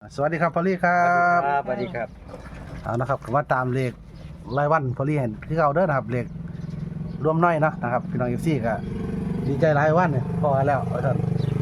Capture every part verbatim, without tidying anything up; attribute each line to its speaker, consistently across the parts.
Speaker 1: สวัสดีครับพอลลี่ครับ
Speaker 2: สวัสดีครับ
Speaker 1: เอานะครับมาตามเลขรายวันพอลลี่เห็นที่เขาเด้อนะครับเลขรวมน้อยเนาะนะครับพี่น้องเอฟซีก็ดีใจรายวันเนี่ยพอแล้วเอาท่าน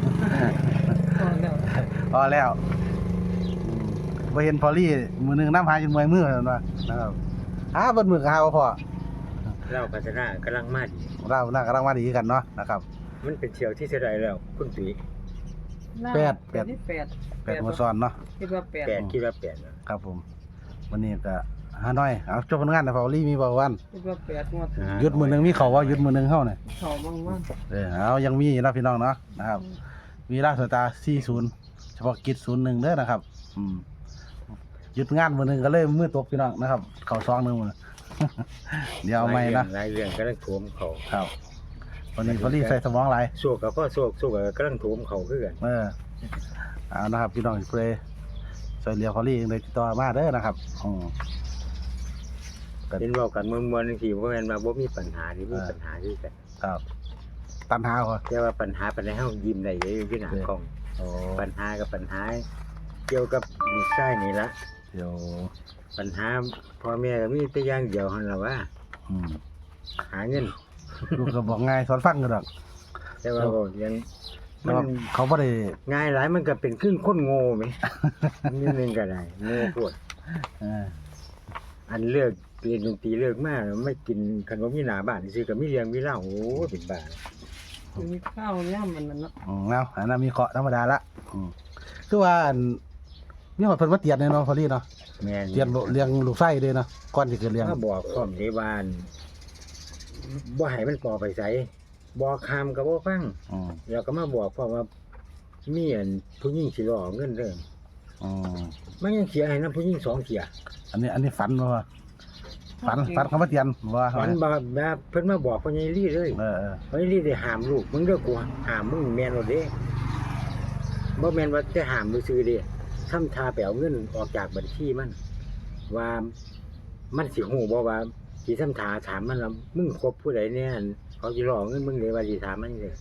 Speaker 1: พอแล้วไปเห็นพอลลี่มือหนึ่งน้ำหายจนเมื่อยมือแล้วนะนะครับหาเบนมือหาบ่พอ
Speaker 2: เล่าพัฒนากำลังมาดี
Speaker 1: เราหน้ากำลังมาดีกันเนาะนะครับ
Speaker 2: มันเป็นเชียวที่เท่าไรแล้วคุณตุ๋ย
Speaker 1: แปดแปด
Speaker 3: ที่แปด
Speaker 1: แปดหัวซ้อนเนาะ
Speaker 3: คิดว่าแปด
Speaker 2: แปดคิดว่าแปดแล้ว
Speaker 1: ครับผม วันนี้ก็หาน้อยเอาจบผลงานนะพอลลี่มีบ่วัน
Speaker 3: คิดว่าแปดงวด
Speaker 1: หยุดมือหนึ่งมีเขาว่าหยุดมือหนึ่งเข้าเนี่ย
Speaker 3: เขาบ้างว่า
Speaker 1: เออเอายังมีนะพี่น้องเนาะนะครับ มีราชสตาร์สี่สิบเฉพาะกิจศูนย์หนึ่งเด้อนะครับอืมหยุดงานมือหนึ่งก็เลยมือตกพี่น้องนะครับ เขาซองหนึ่งมือ เดี๋ยวเอาไม่นะ
Speaker 2: หลายเรื่องกำลังโถมเขา
Speaker 1: ครับวันนี้พอลี่ใส่สมองหลาย
Speaker 2: โศกกับพ่อโศกโศกกับกำลังโถมเขาคือกัน
Speaker 1: เออเอานะครับพี่น้องเพลย์ช่วยเหลือพอลี่เลยติดต่อมาเด้อนะครับอืม
Speaker 2: เห็นบอกกันมวลมวลนึงทีว่าแม่นมาบ่มีปัญหาที่มีปัญหาที่กัน
Speaker 1: ครับตันหาเหรอ
Speaker 2: แต่ว่าปัญหาปัญหาเฮายิ้มได้อยู่ที่หน้ากล้อง
Speaker 1: โอ้
Speaker 2: ปัญหากับปัญหา เกี่ยวกับลูกชายนี่ละ
Speaker 1: เดี๋ยว
Speaker 2: ปัญหาพ่อแม่ก็มีแต่อย่างเดียวหั่นล่ะว่า
Speaker 1: อืม
Speaker 2: หาเงิน
Speaker 1: ลูกก็บอกง่ายสอนฟังกันหรอก
Speaker 2: แต่ว่าก็ยัง
Speaker 1: แต่
Speaker 2: มั
Speaker 1: ว่าน เขาไม่ได้
Speaker 2: ง่ายหลายมันก็เป็นครึ่งคนโง่ไหม นิดนึงก็ได้โง่ปวด
Speaker 1: เออ
Speaker 2: อันเลือกเรียนดนตรีเลิกมากไม่กินขนมมีหนาบ้านซื้อกับมีเลี้ยงมีเหล้าโอ้เป็นบ้า
Speaker 3: มีข้าวย่ำมันนั่นเนาะ
Speaker 1: อืมเอาอันนั้นมีเคาะธรรมดาละอืมคือว่าอันมีหอดเพิ่นมาเตียนเนี่ยเนาะพอลี่เนาะ
Speaker 2: แม่น
Speaker 1: เตียนบ่เลี้ยงลูกไส้เลยเนาะก่อนสิเกิดเลี้ยง
Speaker 2: ถ้าบอกพร้อมในบ้านบ่ให้มันปอไปใส่บอกคำก็บ่ฟัง
Speaker 1: อืม
Speaker 2: แล้วก็มาบอกพร้อมว่ามีอันผู้หญิงสิรอเงินเด้อ
Speaker 1: อืม
Speaker 2: มันยังเสียให้นำผู้หญิงสองเสีย
Speaker 1: อันนี้อันนี้ฝันบ่ว่าฝันฝันเขามาเตียนว่า
Speaker 2: มันบ่แบบเพิ่นมาบอกพ่อใหญ่ลี่เลย
Speaker 1: เออเออ
Speaker 2: พ่อใหญ่ลี่ได้ห้ามลูกมึงเด้อกูห้ามมึงแม่นบ่เด้บ่แม่นว่าจะห้ามซื่อๆเด้ทำท่าไปเอาเงินออกจากบัญชีมัน ว่ามันสิฮู้บ่ว่าสิทำท่าถามมันว่ามึงคบผู้ใดแน่เขาสิรอเงินมึงเลยว่าสิถามมันเลย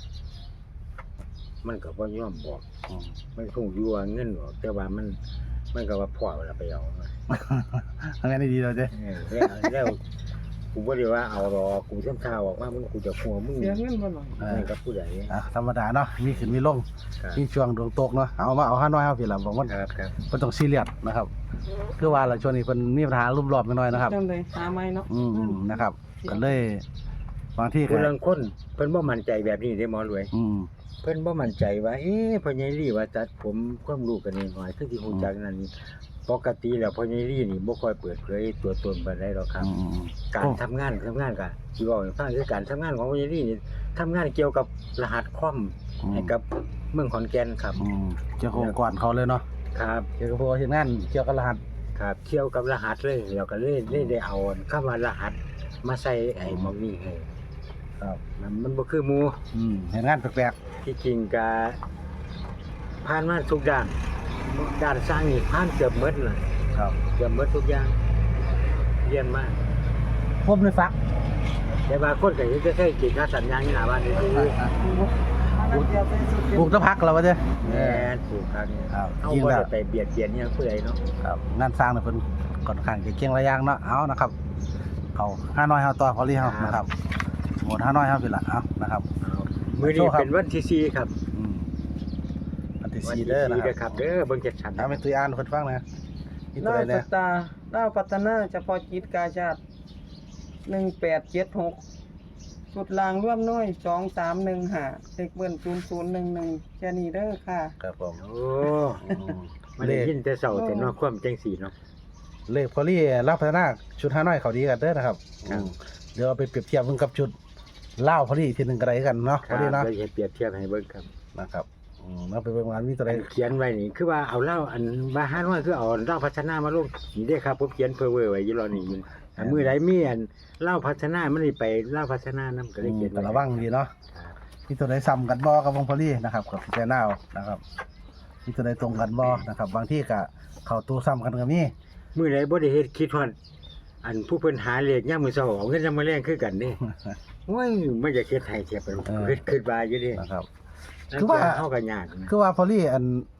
Speaker 2: มันก็บ่ยอมบอก
Speaker 1: อืม
Speaker 2: มันคงอยู่ว่าเงินออกแต่ว่ามันมันก็ว่าพ่อเวลาไปเอามา
Speaker 1: ทำงานได้ดีเลยเด้
Speaker 2: เออแล้วแล้วกูบ่ได้ว่าเอาหรอกกูทำท่าบอกว่ามึงกูจะหัวมึง
Speaker 3: เสียเงินบ่หน่อย
Speaker 1: เออ
Speaker 2: นั่นกับผู้ใด
Speaker 1: อ่ะธรรมดาเนาะมีขึ้นมีลง
Speaker 2: ครับ
Speaker 1: มีช่วงดวงตกเนาะเอามาเอาห้าน้อยเอาพี่ล่ะบอกว่า
Speaker 2: ครับครับ
Speaker 1: เพิ่นต้องซีเรียสนะครับคือว่าล่ะช่วงนี้เพิ่นมีปัญหารุมรอบน้อยๆนะครับ
Speaker 3: จำเลยหาไม้เนาะ
Speaker 1: อืมๆนะครับก็เลยบางที่ก็
Speaker 2: ผู้ลางคนเพิ่นบ่มั่นใจแบบนี้ได้หมอรวย
Speaker 1: อืม
Speaker 2: เพิ่นบ่มั่นใจว่าเอ๊ะพ่อใหญ่ลี่ว่าจัดผมความรู้กันนิดหน่อยคือที่ฮู้จักนั่นนี่ปกติแล้วพ่อใหญ่ลี่นี่บ่ค่อยเปิดเผยตัวตนปานใดหรอกครับ
Speaker 1: อืมอืม
Speaker 2: การทำงานทำงานก็สิเว้าให้ฟังคือการทำงานของพ่อใหญ่ลี่นี่ทำงานเกี่ยวกับรหัสคอม
Speaker 1: อืม
Speaker 2: ให้กับเมืองขอนแก่นครับ
Speaker 1: อืมเกี่ยวกับองค์ก่อนเขาเลยเนาะ
Speaker 2: ครับ
Speaker 1: เกี่ยวกับพวกเฮ็ดงานเกี่ยวกับรหัส
Speaker 2: ครับเกี่ยวกับรหัสเลยแล้วก็เลยเลยได้เอาคำว่ารหัสมาใส่ไอ้หมองนี้ให้
Speaker 1: ครับ
Speaker 2: มันมันบ่คือหมู่
Speaker 1: อืมเฮ็ดงานแปลก
Speaker 2: ที่จริงก็ผ่านมาทุกด้านด้านสร้างนี่ผ่านเกือบหมดเลย
Speaker 1: ๆครับ
Speaker 2: เกือบหมดทุกอย่างเรียนมา
Speaker 1: ผมเลยฟัก
Speaker 2: แต่บางคนก็ยังจะใช้กิจการสัญญาณนี่หน้าบ้านนี่คือ
Speaker 1: ปลูกตะพักแล้วว่าเด้อ
Speaker 2: แม่นปลูกครับ
Speaker 1: ครับ
Speaker 2: เอา
Speaker 1: จริง
Speaker 2: บ่
Speaker 1: แล้ว
Speaker 2: ได้ไปเบียดเบียนหยังผู้ใดเนาะ
Speaker 1: ครับงานสร้างน่ะเพิ่นค่อนข้างจะเก่งหลายอย่างเนาะเอานะครับเขาห้าน้อยเฮาต่อพอลี่เฮานะครับหมดห้าน้อยเฮาพี่ละเอานะครับ
Speaker 2: เอามื้อนี้
Speaker 1: โชว์ครับ
Speaker 2: เป็นวันที่สี่ครับ
Speaker 1: อืมอันที่
Speaker 2: วัน
Speaker 1: สี่
Speaker 2: ที่
Speaker 1: เด้อนะ
Speaker 2: สี่
Speaker 1: ค
Speaker 2: เด้
Speaker 1: รั
Speaker 2: อบ ครับเด้อเบิ่งจัดสรร
Speaker 1: เอาไปตุยอ่านให้เพิ่นฟังนะมีตัว
Speaker 3: ดาว
Speaker 1: ใด
Speaker 3: ส
Speaker 1: แน่
Speaker 3: ตาร์ดาวพัฒนาเฉพาะกิจกาชาติหนึ่งแปดเจ็ดหกสุดลางร่วมน้อยสองสามหนึ่งห้าเด็กเบิ้นศูนย์ศูนย์หนึ่งหนึ่งแค่นี้เด้อค่ะ
Speaker 1: ครับผม
Speaker 2: โอ้
Speaker 1: อืม
Speaker 2: มัน
Speaker 1: เล
Speaker 2: ได้
Speaker 1: ข
Speaker 2: ยินแต่เช้าแต่เนาะความจังสีเนาะ
Speaker 1: เลขพอลี่รับพัฒนาชุดห้าน้อยเขาดีกันเด้อนะครับ
Speaker 2: ครับ
Speaker 1: อืมเดี๋ยวเอาไปเปรียบเทียบเบิ่งกับชุดเล่าวพอลี่ทีหนึงก็ได้กันเนาะ
Speaker 2: ค
Speaker 1: พ
Speaker 2: รั
Speaker 1: อบ ลี่เนาะ
Speaker 2: เราจะเปรียบเทียบให้เบิ่งครับ
Speaker 1: นะครับอืมแล้วไปเบิ่งว่ามีตัวใด
Speaker 2: อันเขียนไว้นี่คือว่าเอาเหล้าอันบาฮานว่าคือเอาเหล้าพัฒนามาลงนี่เด้อครับผมเขียนเพ้อเว้อไว้อยู่รอนี่อยู่อันมื้อใดมีอันเหล้าพัฒนามันนี่ไปเหล้าพัฒนานำก็เลยเขียน
Speaker 1: แต่
Speaker 2: ไว้
Speaker 1: ระวังดีเนาะ
Speaker 2: ครับ
Speaker 1: มีตัวใดซ้ำกันบ่กับวงพอลี่นะครับกับพิจารณาเอานะครับมีตัวใดตรงกันบ่นะครับ บางที่ก็เข้าตัวซ้ำกันก็มี
Speaker 2: มื้อใดบ่ได้เฮ็ดคิดฮอดอันผู้เพิ่นหาเลขยามมื้อเช้าเอาเงินยามมื้อแลงคือกันเด้โอ้ยมันจะเฮ็ดให้เทียบไปคิดคิดว่าอยู่เด้
Speaker 1: นะครับ
Speaker 2: นั่น
Speaker 1: คือว่า
Speaker 2: เฮาก็ยากนะ
Speaker 1: คือว่าพอลี่อัน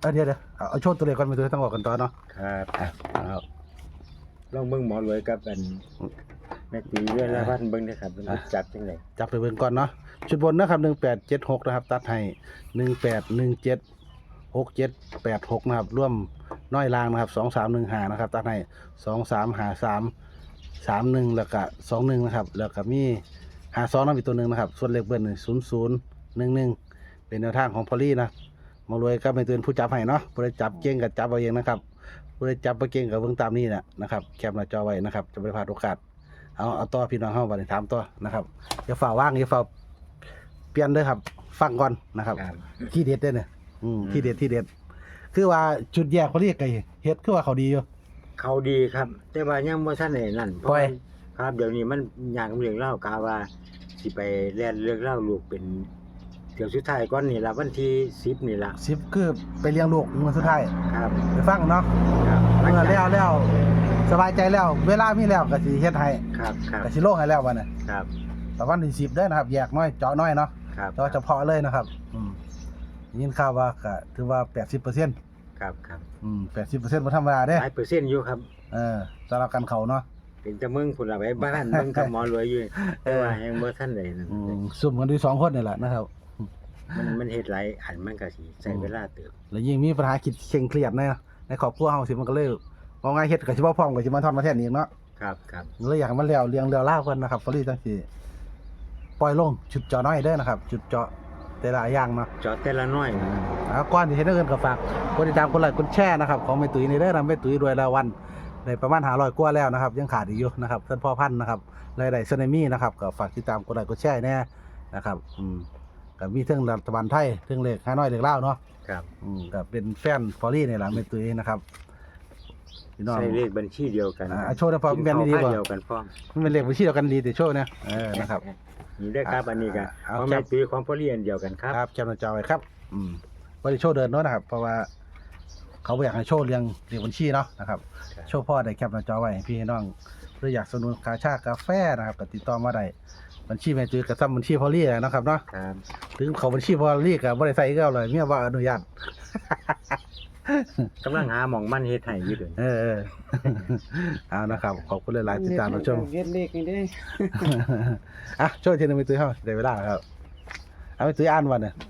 Speaker 1: เออเดี๋ยวเดี๋ยวเอาเอาโชว์ตัวเลขก่อนไปตัวต้องบอกกันต่อเนาะ
Speaker 2: ครับ
Speaker 1: อ่ะเอา
Speaker 2: ลองเบิ่งหมอรวยกับอันแม่ตีเรื่องละพันเบิ่งเด้อครับมัน
Speaker 1: อ่ะ
Speaker 2: จับจังได๋
Speaker 1: จับไปเบิ่งก่อนเนาะชุดบนนะครับหนึ่งแปดเจ็ดหกนะครับตัดให้หนึ่งแปดหนึ่งเจ็ดหกเจ็ดแปดหกนะครับร่วมน้อยลางนะครับสองสามหนึ่งห้านะครับตัดให้สองสามหาสามสามหนึ่งแล้วก็สองหนึ่งนะครับแล้วก็มีหาสองน้ำอีกตัวหนึ่งนะครับส่วนเลขเบิ้ลศูนย์ศูนย์หนึ่งหนึ่งเป็นแนวทางของพอลลี่นะมารวยก็เป็นตัวผู้จับให้เนาะผู้ใดจับเก่งกับจับเอาเองนะครับผู้ใดจับบ่เก่งกับเบิ่งตามนี้แหละนะครับแคปหน้าจอไว้นะครับจะไม่พลาดโอกาสเอาเอาต่อพี่น้องเฮาบัดนี้ถามต่อนะครับอย่าฝ่าว่างอย่าฝ่าเปลี่ยนเด้อครับฟังก่อนนะครับ
Speaker 2: ครับ
Speaker 1: ที่เด็ดเด้อเนี่ยอืม
Speaker 2: อืม
Speaker 1: ที่เด็ดที่เด็ดคือว่าจุดแยกพอลลี่ไก่เฮ็ดคือว่าเขาดีอยู่
Speaker 2: เขาดีครับ แต่ว่ายังบ่ทันได้นั่นเพ
Speaker 1: ปล่
Speaker 2: ราะ
Speaker 1: อย
Speaker 2: ครับเดี๋ยวนี้มันยากเรื่องเล่ากาว่าสิไปแล่นเรื่องเล่าลูกเป็นเดี๋ยวสุดท้ายก่อนนี่ล่ะวันที่สิบนี่ล่ะ
Speaker 1: สิบคือไปเลี้ยงลูกมื้อสุดท้าย
Speaker 2: ครับ
Speaker 1: ไปฟังเนาะ
Speaker 2: ครับ
Speaker 1: เมื่อแล้วแล้วสบายใจแล้ว เวลามีแล้วก็สิเฮ็ดให้
Speaker 2: ครับครับ
Speaker 1: ก็สิโลงให้แล้วบัดนี้
Speaker 2: ครับ
Speaker 1: แต่วันที่สิบเด้อนะครับ แยกน้อยเจาะน้อยเนาะ
Speaker 2: ครับ
Speaker 1: เจาะเฉพาะเลยนะครับ อืมยินข่าวว่าก็ถือว่า แปดสิบเปอร์เซ็นต์
Speaker 2: ครับครับ
Speaker 1: อืม แปดสิบเปอร์เซ็นต์บ่ธรรมดาเด้
Speaker 2: หลายเปอร์เซ็นต์อยู่ครับ
Speaker 1: เออสำหรับกันเขาเนาะ
Speaker 2: เป็นแต่มึงพุ่นล่ะไปบ้านมึงกับหมอรวยอยู่แต่ว่ายังบ่ทันได้นั่น
Speaker 1: อืมซุ่มกันด้วยสองคนนี่แหละนะครับ
Speaker 2: มันมันเฮ็ดหลายอันมันก็สิใช้เวลาเติบ
Speaker 1: แล้วยิ่งมีปัญหาคิดเคร่งเครียดในในครอบครัวเฮาสิมันก็เลยว่าง่ายเฮ็ดก็สิบ่พร้อมก็สิมาทอดมาแทนอีกเนาะ
Speaker 2: ครับครับ
Speaker 1: เลยอยากให้มันแล้วเรียงแล้วล่าวกันนะครับฟอรี่จังสิปล่อยลงจุดเจาะน้อยเด้อนะครับ จุดเจาะแต่ละอย่างเนาะ
Speaker 2: จอดแต่ละน้อยนะ
Speaker 1: อ่าก่อนที่เฮ็ดเงินก็ฝากกดติดตามกดไลค์กดแชร์นะครับของแม่ตุ้ยนี่เด้อนะแม่ตุ้ยรวยรายวันได้ประมาณห้าร้อยกว่าแล้วนะครับ ยังขาดอีกอยู่นะครับท่านพ่อพันธุ์นะครับรายได้ซึนามินะครับก็ฝากติดตามกดไลค์กดแชร์แน่นะครับอืมก็มีเทั้งรัฐบาลไทยเทั้งเลขห้าน้อยเลขลาวเนาะ
Speaker 2: ครับ
Speaker 1: อืมก็เป็นแฟนฟอรี่นี่แหละแม่ตุ้ยนะครับพี่น้อง
Speaker 2: ใช้เลขบัญชีเดียวกัน
Speaker 1: อ่าโชว์ได้พอมันเป็นดีกว่า
Speaker 2: เดียวกันพร้อม
Speaker 1: มันเป็นเลขบัญชีเดียวกันดีแต่โชว์เนี่ยเออนะครับ
Speaker 2: นี่ได้อครับอันนี้ก็
Speaker 1: เอา
Speaker 2: ของ
Speaker 1: ครั
Speaker 2: แม่
Speaker 1: บ
Speaker 2: ตุ้ยของพ่อเรียนเดียวกันครับ
Speaker 1: ครับแคปหน้าจอไว้ครับ อืมบริโชว์เดินเนาะนะครับ เพราะว่าเขาบ่อยากให้โชว์เรียงเรียงบัญชีเนาะนะครับ
Speaker 2: ครับ
Speaker 1: โชว์พ่อได้แคปหน้าจอไว้ให้พี่ให้น้องหรืออยากสนับสนุนกาชากาแฟนะครับก็ติดต่อมาได้บัญชีแม่จือกับซ้ำบัญชีพอลลี่นะครับเนาะ
Speaker 2: ครับ
Speaker 1: ถึงเขาบัญชีพอลลี่กับบ่ได้ใส่ก็เอาเลยเมียว่าอนุญาต
Speaker 2: กำลังหาหม่องมันเฮ็ดให้อยู่เด้อ
Speaker 1: เออเอ อ เอานะครับขอบคุณหลายๆติดตามรับชม
Speaker 3: เฮ็ดเลขนี่เด้
Speaker 1: อ่ะโชว์ทีหนึงไปตุ้ยเฮาได้เวลาแล้วครับเอาไปตุ้ยอ่านวันเนี่ย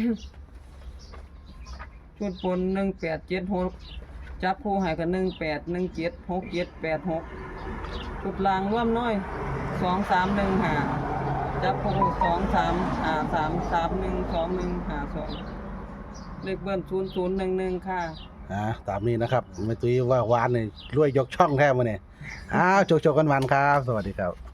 Speaker 3: ชุดบนหนึ่งแปดเจ็ดหกจับคู่ให้กันหนึ่งแปดหนึ่งเจ็ดหกเจ็ดแปดหกชุดล่างร่วมน้อยสองสามหนึ่งห้าจับคู่สองสามห้าสามสามหนึ่งสองหนึ่งห้าสองเลขเบิ้ลศูนย์ศูนย์หนึ่งหนึ่งค่ะ
Speaker 1: อ่าตามนี้นะครับแม่ตุ้ยว่าหวานนี่รวยยกช่องแท้มาเนี่ยอ้าวโจกๆกันหวานครับ สวัสดีครับ